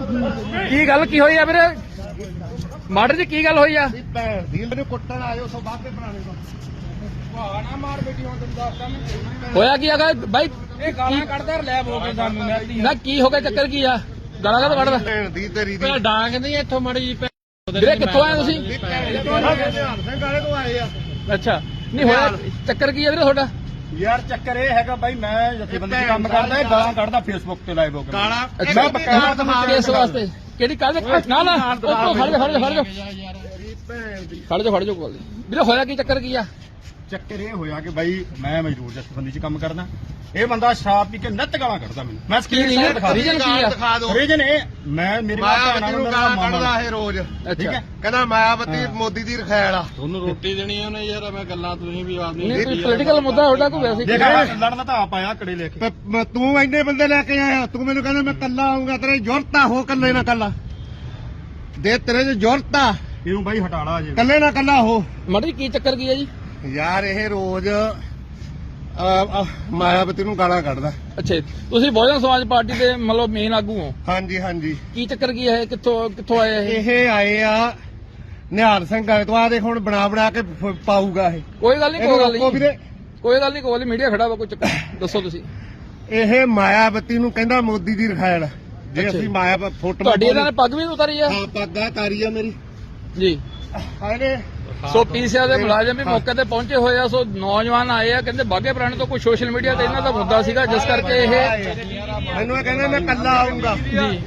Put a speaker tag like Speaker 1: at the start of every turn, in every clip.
Speaker 1: ਕੀ ਗੱਲ ਕੀ ਹੋਈ ਆ ਵੀਰੇ? ਮਾਡਰ ਜੀ ਕੀ ਗੱਲ ਹੋਈ ਆ?
Speaker 2: ਭੈਣ ਦੀ ਮੈਨੂੰ ਕੁੱਟਣ ਆਇਓ ਸੋ ਬਾਅਦ ਦੇ ਬਣਾਣੇ ਤੋਂ ਨਾ ਮਾਰ ਬੇਟੀ ਹੁਣ ਤੈਨੂੰ ਦੱਸਦਾ ਮੈਂ
Speaker 1: ਹੋਇਆ ਕੀ ਹੈਗਾ ਬਾਈ?
Speaker 2: ਇਹ ਗਾਲਾਂ ਕੱਢਦਾ ਲੈਬ ਹੋ ਕੇ ਸਾਨੂੰ
Speaker 1: ਨਾ ਕੀ ਹੋ ਗਿਆ, ਚੱਕਰ ਕੀ ਆ? ਗਾਲਾਂ ਕਾਹਦਾ ਕੱਢਦਾ?
Speaker 2: ਭੈਣ ਦੀ ਤੇਰੀ ਦੀ
Speaker 3: ਡਾਂਗ ਨਹੀਂ ਇੱਥੋਂ ਮੜੀ ਜੀ
Speaker 1: ਵੀਰੇ ਕਿੱਥੋਂ ਆਏ ਤੁਸੀਂ?
Speaker 2: ਧਿਆਨ ਸਿੰਘ ਵਾਲੇ ਤੋਂ ਆਏ ਆ।
Speaker 1: ਅੱਛਾ, ਨਹੀਂ ਹੋਇਆ ਚੱਕਰ ਕੀ ਆ ਵੀਰੇ ਤੁਹਾਡਾ?
Speaker 3: ਯਾਰ ਚੱਕਰ ਇਹ ਹੈਗਾ ਬਾਈ, ਮੈਂ ਜਥੇਬੰਦੀ 'ਚ ਕੰਮ ਕਰਦਾ, ਇਹ ਗਾਲਾਂ ਕੱਢਦਾ ਫੇਸਬੁੱਕ ਤੇ ਲਾਈਵ ਹੋ ਕੇ।
Speaker 1: ਅੱਛਾ, ਕਿਸ ਵਾਸਤੇ? ਕਿਹੜੀ ਕੱਲ? ਨਾ ਨਾ ਉੱਤੋਂ ਖੜ ਜਾ ਕੋਲ ਵੀਰੇ। ਹੋਇਆ ਕੀ, ਚੱਕਰ ਕੀ ਆ?
Speaker 3: ਚੱਕਰ ਇਹ ਹੋਇਆ ਕਿ ਬਾਈ ਮੈਂ ਮਜ਼ਦੂਰ ਜਥੇਬੰਦੀ 'ਚ ਕੰਮ ਕਰਦਾ, ਇਹ ਬੰਦਾ ਸ਼ਰਾਬ ਪੀ ਕੇ ਨਿੱਤ ਗਾਲਾਂ ਕੱਢਦਾ ਮੈਨੂੰ। ਮੈਂ ਸਕਰੀਨ ਦਿਖਾ
Speaker 1: ਰੀਜਨ ਕੀ ਆ?
Speaker 3: ਰੀਜਨ ਇਹ ਮੈਂ ਮੇਰੀ
Speaker 2: ਮਾਇਆ ਨੂੰ ਗਾਲਾਂ ਕੱਢਦਾ ਇਹ ਰੋਜ਼।
Speaker 3: ਠੀਕ ਹੈ,
Speaker 2: ਕਹਿੰਦਾ ਮਾਇਆਵਤੀ ਮੋਦੀ ਦੀ ਰਖੈਲ ਆ।
Speaker 3: ਤੁਹਾਨੂੰ ਰੋਟੀ ਦੇਣੀ ਉਹਨੇ ਯਾਰ, ਮੈਂ ਗੱਲਾਂ ਤੁਸੀਂ ਵੀ ਆਦਮੀ
Speaker 1: ਨਹੀਂ ਕੋਈ ਪੋਲੀਟੀਕਲ ਮੁੱਦਾ ਤੁਹਾਡਾ ਕੋਈ ਵੈਸੇ
Speaker 3: ਦੇਖ ਲੜਨਾ ਤਾਂ ਆਪ ਆਇਆ ਕੜੇ ਲੈ ਕੇ।
Speaker 2: ਤੂੰ ਇੰਨੇ ਬੰਦੇ ਲੈ ਕੇ ਆਇਆ, ਤੂੰ ਮੈਨੂੰ ਕਹਿੰਦਾ ਮੈਂ ਕੱਲਾ ਆਉਂਗਾ, ਤੇਰੇ ਜ਼ਰੂਰਤ ਆ ਹੋ ਕੱਲੇ ਨਾ ਕੱਲਾ ਦੇ, ਤੇਰੇ ਚ ਜ਼ਰੂਰਤ ਆ
Speaker 3: ਇਹਨੂੰ ਬਾਈ ਹਟਾਲਾ ਜੇ
Speaker 2: ਕੱਲੇ ਨਾ ਕੱਲਾ ਹੋ।
Speaker 1: ਮਾਡਰ ਕੀ ਚੱਕਰ ਕੀ ਆ ਜੀ?
Speaker 2: ਯਾਰ ਇਹ ਰੋਜ਼ ਮਾਇਆਵਤੀ ਨੂੰ ਗਾਲਾਂ ਕੱਢਦਾ।
Speaker 1: ਅੱਛਾ, ਤੁਸੀਂ ਬਹੁਜਨ ਸਮਾਜ ਪਾਰਟੀ ਦੇ ਮਤਲਬ ਮੇਨ ਆਗੂ ਹੋ?
Speaker 2: ਹਾਂਜੀ ਹਾਂਜੀ।
Speaker 1: ਕੀ ਚੱਕਰ ਕੀ ਹੈ? ਕਿੱਥੋਂ ਆਏ ਇਹ?
Speaker 2: ਇਹ ਆਏ ਆ ਨਿਹਾਲ ਸਿੰਘ ਵਾਲੇ ਤੋਂ। ਆ ਦੇਖ ਹੁਣ ਬਣਾ ਕੇ ਪਾਊਗਾ ਇਹ।
Speaker 1: ਕੋਈ ਗੱਲ ਨਹੀਂ, ਕੋਈ ਗੱਲ
Speaker 2: ਇਹਨੂੰ ਰੋਕੋ ਵੀਰੇ।
Speaker 1: ਨਹੀਂ, ਕੋਈ ਗੱਲ ਨਹੀਂ, ਮੀਡੀਆ ਖੜਾ ਵਾ, ਕੋਈ ਚੱਕਰ ਦੱਸੋ ਤੁਸੀਂ।
Speaker 2: ਇਹ ਮਾਇਆਵਤੀ ਨੂੰ ਕਹਿੰਦਾ ਮੋਦੀ ਦੀ ਰਖੈਲ। ਜੇ
Speaker 1: ਅੱਛਾ।
Speaker 2: ਅਸੀਂ ਮਾਇਆ ਫੋਟੋ
Speaker 1: ਤੁਹਾਡੀ ਇਹਨਾਂ ਨੇ ਪੱਗ ਵੀ ਉਤਾਰੀ ਆ?
Speaker 2: ਹਾਂ ਪੱਗਾਂ ਤਾਰੀ ਆ ਮੇਰੀ
Speaker 1: ਜੀ।
Speaker 2: ਹਾਏ
Speaker 1: ਸੋ ਪੀਸੀਆਰ ਦੇ ਮੁਲਾਜ਼ਮ ਵੀ ਮੌਕੇ ਤੇ ਪਹੁੰਚੇ ਹੋਏ ਆ। ਸੋ ਨੌਜਵਾਨ ਆਏ ਆ, ਕਹਿੰਦੇ ਬਾਗੇ ਪੁਰਾਣੇ ਤੋਂ ਕੋਈ ਸੋਸ਼ਲ ਮੀਡੀਆ ਤੇ ਇਹਨਾਂ ਦਾ ਮੁੱਦਾ ਸੀਗਾ, ਜਿਸ ਕਰਕੇ ਇਹ
Speaker 2: ਮੈਨੂੰ ਇਹ ਕਹਿੰਦਾ ਮੈਂ ਕੱਲਾ ਆਉਂਗਾ
Speaker 1: ਜੀ।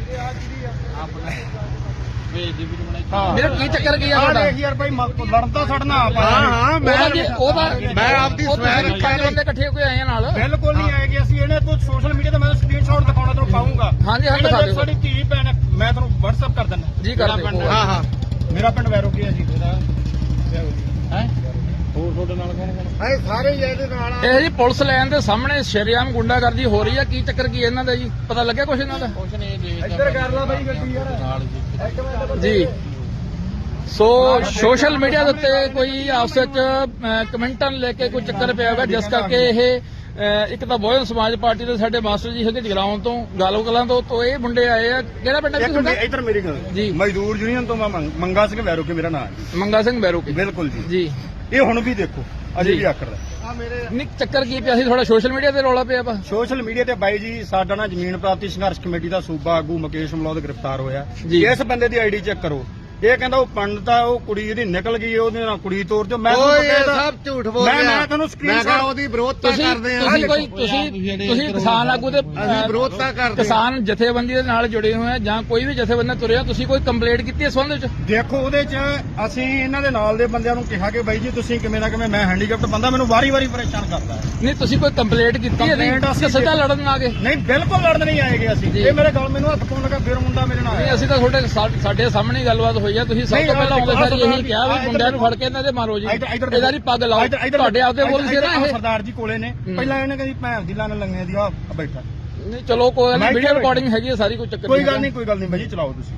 Speaker 2: ਹਾਂ
Speaker 1: ਮੇਰਾ ਕੀ ਚੱਕਰ ਕੀ ਆ ਤੁਹਾਡਾ?
Speaker 3: ਯਾਰ ਬਾਈ ਲੜਨ ਤਾਂ ਛੱਡਣਾ ਆਪ
Speaker 2: ਹਾਂ
Speaker 1: ਮੈਂ
Speaker 2: ਆਪਦੀ ਸਵੈ
Speaker 1: ਬੰਦੇ ਇਕੱਠੇ ਹੋ ਕੇ ਆਏ ਆ ਨਾਲ।
Speaker 3: ਬਿਲਕੁਲ ਨਹੀਂ ਆਏਗੀ। ਅਸੀਂ ਇਹਨੇ ਤੂੰ ਸੋਸ਼ਲ ਮੀਡੀਆ ਤੇ ਮੈਂ ਸਕਰੀਨਸ਼ਾਟ ਦਿਖਾਉਣਾ ਤੈਨੂੰ ਪਾਉਂਗਾ।
Speaker 1: ਹਾਂਜੀ ਹਾਂ, ਦਿਖਾ ਦਿਓ।
Speaker 3: ਸਾਡੀ ਧੀ ਭੈਣ ਹੈ, ਮੈਂ ਤੁਹਾਨੂੰ WhatsApp ਕਰ ਦਿੰਦਾ
Speaker 1: ਜੀ, ਕਰ ਦਿਓ।
Speaker 2: ਹਾਂ ਹਾਂ
Speaker 3: ਮੇਰਾ ਪਿੰਡ ਵੈਰੋ ਕੀ ਹੈ ਜੀ। ਹੈ ਹੋਰ ਤੁਹਾਡੇ ਨਾਲ ਕੌਣ
Speaker 2: ਹਾਏ ਸਾਰੇ ਹੀ ਇਹਦੇ ਨਾਲ ਆ।
Speaker 1: ਇਹ ਜੀ ਪੁਲਿਸ ਲਾਈਨ ਦੇ ਸਾਹਮਣੇ ਸ਼ਰੇਆਮ ਗੁੰਡਾਗਰਦੀ ਹੋ ਰਹੀ ਆ। ਕੀ ਚੱਕਰ ਕੀ ਇਹਨਾਂ ਦਾ ਜੀ? ਪਤਾ ਲੱਗਿਆ ਕੁਛ ਇਹਨਾਂ ਦਾ?
Speaker 3: ਕੁਛ ਨਹੀਂ ਜੀ, ਇੱਧਰ ਕਰ ਲਾ ਬਾਈ ਗੱਡੀ ਯਾਰ
Speaker 1: ਜੀ। ਸੋ ਸੋਸ਼ਲ ਮੀਡੀਆ ਦੇ ਉੱਤੇ ਕੋਈ ਆਪਸ ਵਿੱਚ ਕਮੈਂਟਾਂ ਲੈ ਕੇ ਕੋਈ ਚੱਕਰ ਪਿਆ ਹੋਗਾ, ਜਿਸ ਕਰਕੇ ਇਹ ਇੱਕ ਤਾਂ ਬਹੁਜਨ ਸਮਾਜ ਪਾਰਟੀ ਦੇ ਸਾਡੇ ਮਾਸਟਰ ਜੀ ਹੈਗੇ ਜਗਰਾਉਂ ਤੋਂ, ਗਾਲੋ ਕਲਾਂ ਤੋਂ ਇਹ ਮੁੰਡੇ ਆਏ ਆ। ਕਿਹੜਾ ਪਿੰਡ ਹੈ ਤੁਹਾਡਾ?
Speaker 3: ਇੱਧਰ ਮੇਰੀ ਗੱਲ
Speaker 1: ਜੀ।
Speaker 3: ਮਜ਼ਦੂਰ ਯੂਨੀਅਨ ਤੋਂ ਮੈਂ ਮੰਗਾ ਸਿੰਘ ਵੈਰੋ ਕੇ ਮੇਰਾ ਨਾਮ ਹੈ ਜੀ।
Speaker 1: ਮੰਗਾ ਸਿੰਘ ਬੈਰੋਕੇ।
Speaker 3: ਬਿਲਕੁਲ ਜੀ।
Speaker 1: ਜੀ।
Speaker 3: ਇਹ ਹੁਣ ਵੀ ਦੇਖੋ ਅਜੇ
Speaker 1: ਜੀ।
Speaker 3: ਵੀ ਆਕੜਦਾ।
Speaker 2: ਆ ਮੇਰੇ
Speaker 1: ਨਹੀਂ ਚੱਕਰ ਕੀ ਪਿਆ ਸੀ? ਥੋੜਾ ਸੋਸ਼ਲ ਮੀਡੀਆ ਤੇ ਰੌਲਾ ਪਿਆ ਵਾ।
Speaker 3: ਸੋਸ਼ਲ ਮੀਡੀਆ ਤੇ ਬਾਈ ਜੀ ਸਾਡਾ ਨਾ ਜ਼ਮੀਨ ਪ੍ਰਾਪਤੀ ਸੰਘਰਸ਼ ਕਮੇਟੀ ਦਾ ਸੂਬਾ ਆਗੂ ਮੁਕੇਸ਼ ਮਲੌਦ ਗ੍ਰਿਫਤਾਰ ਹੋਇਆ।
Speaker 1: ਜੀ।
Speaker 3: ਇਸ ਬੰਦੇ ਦੀ ਆਈਡੀ ਚੈੱਕ ਕਰੋ। ਇਹ ਕਹਿੰਦਾ ਉਹ ਪੰਡਤ ਆ, ਉਹ ਕੁੜੀ ਇਹਦੀ ਨਿਕਲ ਗਈ, ਉਹਦੇ ਨਾਲ ਕੁੜੀ ਤੋਰ ਦਿਓ। ਮੈਂ
Speaker 2: ਓਏ
Speaker 3: ਤੁਹਾਨੂੰ
Speaker 2: ਇਹ
Speaker 3: ਪਤਾ
Speaker 2: ਸਭ ਝੂਠ ਬੋਲ
Speaker 3: ਮੈਂ
Speaker 2: ਰਿਹਾ।
Speaker 3: ਤੁਹਾਨੂੰ
Speaker 2: ਮੈਂ
Speaker 3: screenshot
Speaker 2: ਕਿਹਾ ਉਹਦੀ ਵਿਰੋਧਤਾ ਕਰਦੇ ਆ।
Speaker 1: ਤੁਸੀਂ ਕਿਸਾਨ ਆਗੂ ਦੇ
Speaker 2: ਅਸੀਂ ਵਿਰੋਧਤਾ ਕਰਦੇ ਆ।
Speaker 1: ਕਿਸਾਨ ਜਥੇਬੰਦੀ ਦੇ ਨਾਲ ਜੁੜੇ ਹੋਏ ਆ ਜਾਂ ਕੋਈ ਵੀ ਜਥੇਬੰਦੀ ਤੁਰਿਆ, ਤੁਸੀਂ ਕੋਈ ਕੰਪਲੇਂਟ ਕੀਤੀ ਇਸ ਸੰਬੰਧ ਵਿੱਚ?
Speaker 3: ਦੇਖੋ ਉਹਦੇ ਚ ਅਸੀਂ ਇਹਨਾਂ ਦੇ ਨਾਲ ਦੇ ਬੰਦਿਆਂ ਨੂੰ ਕਿਹਾ ਕਿ ਬਾਈ ਜੀ ਤੁਸੀਂ ਕਿਵੇਂ ਨਾ ਕਿਵੇਂ, ਮੈਂ ਹੈਂਡੀਕੈਪਟ ਬੰਦਾ, ਮੈਨੂੰ ਵਾਰੀ-ਵਾਰੀ ਪਰੇਸ਼ਾਨ ਕਰਦਾ ਹੈ।
Speaker 1: ਨਹੀਂ ਤੁਸੀਂ ਕੋਈ ਕੰਪਲੇਂਟ ਕੀਤੀ ਹੈ?
Speaker 3: Complaint ਅਸੀਂ
Speaker 1: ਸਿੱਧਾ ਲੜਨ ਆ ਗਏ?
Speaker 3: ਨਹੀਂ ਬਿਲਕੁਲ ਲੜਨ ਨਹੀਂ ਆਏਗੇ ਅਸੀਂ।
Speaker 1: ਜੀ।
Speaker 3: ਇਹ ਮੇਰੇ ਗੱਲ ਮੈਨੂੰ ਹੱਥ ਪਾਉਣ ਲੱਗਾ, ਫਿਰ ਮੁੰਡਾ ਮੇਰੇ ਨਾਲ
Speaker 1: ਨਹੀਂ,
Speaker 3: ਆਇਆ।
Speaker 1: ਅਸੀਂ ਤਾਂ ਸਾਡੇ ਸਾਹਮਣੇ ਗੱਲਬਾਤ ਹੋਈ ਆ। ਤੁਸੀਂ ਸਭ ਤੋਂ ਪਹਿਲਾਂ ਆਉਂਦੇ ਸਾਰ ਇਹੀ ਕਿਹਾ ਵੀ ਮੁੰਡਿਆਂ ਨੂੰ ਫੜ ਕੇ ਇਹਨਾਂ ਦੇ ਮਾਰੋ ਜੀ, ਇਹਦਾ ਦੀ ਪੱਗ ਲਾਓ। ਤੁਹਾਡੇ ਆਪਦੇ ਬੋਲ ਸੀ ਨਾ ਇਹ?
Speaker 3: ਸਰਦਾਰ ਜੀ ਕੋਲੇ ਨੇ ਪਹਿਲਾਂ ਇਹਨੇ ਕਹਿੰਦੀ ਭੈਣ ਦੀ ਲੰਨ ਲੰਗੇ ਦੀ ਆ ਬੈਠਾ।
Speaker 1: ਨਹੀਂ ਚਲੋ ਕੋਈ ਨਹੀਂ, ਵੀਡੀਓ ਰਿਕਾਰਡਿੰਗ ਹੈਗੀ ਹੈ ਸਾਰੀ, ਕੋਈ ਚੱਕਰ
Speaker 3: ਕੋਈ ਗੱਲ ਨਹੀਂ ਬਾਈ ਜੀ, ਚਲਾਓ ਤੁਸੀਂ।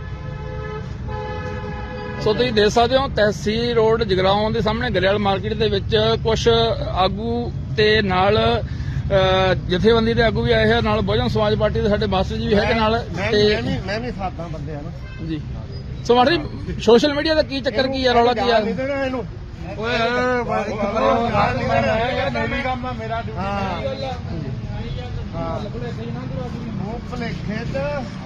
Speaker 1: ਸੋ ਤੁਸੀਂ ਦੇਖ ਸਕਦੇ ਹੋ ਤਹਿਸੀਲ ਰੋਡ ਜਗਰਾਉਂ ਦੇ ਸਾਹਮਣੇ ਗਰੇਵਾਲ ਮਾਰਕੀਟ ਦੇ ਵਿੱਚ ਕੁਝ ਆਗੂ ਤੇ ਨਾਲ ਜਥੇਬੰਦੀ ਦੇ ਆਗੂ ਵੀ ਆਏ ਹੋਏ, ਨਾਲ ਬਹੁਜਨ ਸਮਾਜ ਪਾਰਟੀ ਦੇ ਸਾਡੇ ਮਾਸਟਰ ਜੀ ਵੀ ਹੈਗੇ ਨਾਲ। ਤੇ
Speaker 2: ਮੈਂ ਵੀ ਸਾਦਾ ਬੰਦੇ ਆ ਨਾ
Speaker 1: ਜੀ। ਸੋ ਮਾੜੀ ਸੋਸ਼ਲ ਮੀਡੀਆ ਦਾ ਕੀ ਚੱਕਰ ਕੀ ਆ, ਰੌਲਾ ਕੀ ਆ?
Speaker 2: ਨਹੀਂ ਦੇਣਾ ਇਹਨੂੰ। ਓਏ
Speaker 3: ਕੰਮ ਆ ਮੇਰਾ
Speaker 2: ਹਾਂ ਮੂੰਗਫਲੀ ਖੇਤ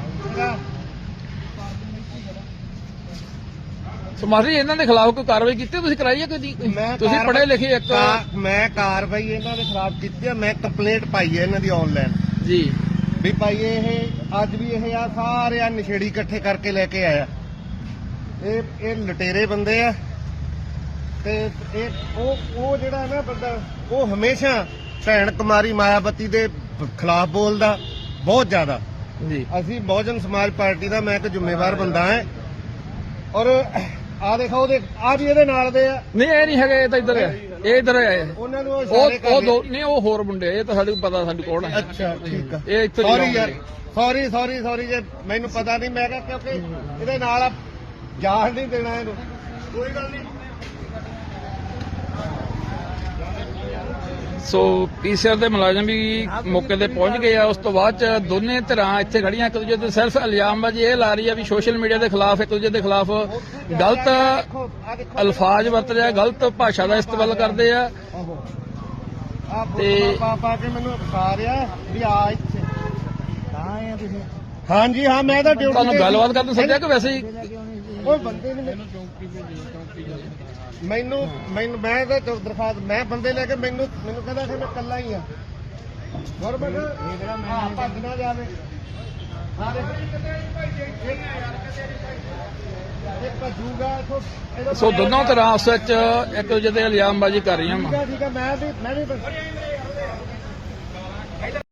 Speaker 1: ਸੋ ਮਾਸਟਰ ਜੀ ਇਹਨਾਂ ਦੇ ਖਿਲਾਫ ਕੋਈ ਕਾਰਵਾਈ ਕੀਤੀ ਤੁਸੀਂ ਕਰਾਈ ਹੈ ਕੋਈ? ਤੁਸੀਂ ਪੜ੍ਹੇ ਲਿਖੇ ਇੱਕ
Speaker 2: ਮੈਂ ਕਾਰਵਾਈ ਇਹਨਾਂ ਦੇ ਖਿਲਾਫ ਕੀਤੀ ਹੈ। ਮੈਂ ਕੰਪਲੇਂਟ ਪਾਈ ਹੈ ਇਹਨਾਂ ਦੀ ਆਨਲਾਈਨ
Speaker 1: ਜੀ
Speaker 2: ਵੀ ਭਾਈ ਇਹ ਅੱਜ ਵੀ ਇਹ ਆ ਸਾਰੇ ਆ ਨਸ਼ੇੜੀ ਇਕੱਠੇ ਕਰਕੇ ਲੈ ਕੇ ਆਇਆ। ਇਹ ਲਟੇਰੇ ਬੰਦੇ ਆ ਤੇ ਇਹ ਉਹ ਜਿਹੜਾ ਨਾ ਬੰਦਾ ਉਹ ਹਮੇਸ਼ਾ ਭੈਣ ਕੁਮਾਰੀ ਮਾਇਆਵਤੀ ਦੇ ਖਿਲਾਫ ਬੋਲਦਾ ਬਹੁਤ ਜ਼ਿਆਦਾ।
Speaker 1: ਜੀ।
Speaker 2: ਅਸੀਂ ਬਹੁਜਨ ਸਮਾਜ ਪਾਰਟੀ ਦਾ ਮੈਂ ਇੱਕ ਜ਼ਿੰਮੇਵਾਰ ਬੰਦਾ ਹਾਂ ਔਰ ਆ ਦੇਖੋ ਉਹਦੇ ਆ ਵੀ ਇਹਦੇ ਨਾਲ ਦੇ ਆ।
Speaker 1: ਨਹੀਂ ਇਹ ਨਹੀਂ ਹੈਗੇ, ਇਹ ਤਾਂ ਇੱਧਰ ਆ, ਇਹ ਇੱਧਰ ਆਏ।
Speaker 2: ਉਹਨਾਂ ਨੂੰ
Speaker 1: ਉਹ ਦੋ ਨਹੀਂ, ਉਹ ਹੋਰ ਮੁੰਡੇ, ਇਹ ਤਾਂ ਸਾਡੇ ਨੂੰ ਪਤਾ ਸਾਡੀ ਕੌਣ ਹੈ।
Speaker 2: ਅੱਛਾ ਠੀਕ ਆ।
Speaker 1: ਇਹ ਇੱਥੇ
Speaker 2: ਸੌਰੀ ਯਾਰ, ਸੌਰੀ ਜੇ ਮੈਨੂੰ ਪਤਾ ਨਹੀਂ। ਮੈਂ ਕਿਹਾ ਕਿਉਂਕਿ ਇਹਦੇ ਨਾਲ ਆ ਜਾਣ ਨਹੀਂ ਦੇਣਾ ਇਹਨੂੰ। ਕੋਈ ਗੱਲ ਨਹੀਂ।
Speaker 1: ਸੋ ਪੀਸੀਆਰ ਦੇ ਮੁਲਾਜ਼ਮ ਵੀ ਮੌਕੇ ਤੇ ਪਹੁੰਚ ਗਏ ਆ। ਉਸ ਤੋਂ ਬਾਅਦ ਚ ਦੋਨੇ ਧਿਰਾਂ ਇੱਥੇ ਖੜੀਆਂ ਇੱਕ ਦੂਜੇ ਤੇ ਸਿਰਫ ਇਲਜ਼ਾਮਬਾਜ਼ੀ ਇਹ ਲਾ ਰਹੀ ਆ ਵੀ ਸੋਸ਼ਲ ਮੀਡੀਆ ਦੇ ਖਿਲਾਫ ਇੱਕ ਦੂਜੇ ਦੇ ਖਿਲਾਫ ਗਲਤ ਅਲਫਾਜ਼ ਵਰਤ ਰਿਹਾ, ਗਲਤ ਭਾਸ਼ਾ ਦਾ ਇਸਤੇਮਾਲ ਕਰਦੇ ਆ।
Speaker 2: ਆ
Speaker 1: ਤੇ-
Speaker 2: ਪਾ ਕੇ ਮੈਨੂੰ ਬੁਖਾ ਰਿਹਾ ਵੀ ਆ ਇੱਥੇ ਹਾਂਜੀ ਹਾਂ ਮੈਂ ਤਾਂ ਡਿਊਟੀ
Speaker 1: ਤੁਹਾਨੂੰ ਗੱਲਬਾਤ ਕਰਨ ਨੂੰ ਸੱਦਿਆ ਕਿ ਵੈਸੇ ਹੀ
Speaker 2: ਉਹ ਬੰਦੇ ਨੇ ਮੈਨੂੰ ਮੈਨੂੰ ਮੈਂ ਤਾਂ ਦਰਖਾਸਤ ਮੈਂ ਬੰਦੇ ਲੈ ਕੇ ਮੈਨੂੰ ਕਹਿੰਦਾ ਕਿ ਮੈਂ ਇਕੱਲਾ ਹੀ ਆ ਗੁਰਬਤ ਹਾਂ ਭੱਜ ਨਾ ਜਾਵੇ ਇਹ ਭੱਜੂਗਾ
Speaker 1: ਸੋ ਦੋਨੋਂ ਧਿਰਾਂ ਆਪਸ ਵਿੱਚ ਇੱਕ ਦੂਜੇ ਤੇ ਇਲਜ਼ਾਮਬਾਜ਼ੀ ਕਰ ਰਹੀਆਂ ਵਾ।
Speaker 2: ਠੀਕ ਹੈ ਮੈਂ ਵੀ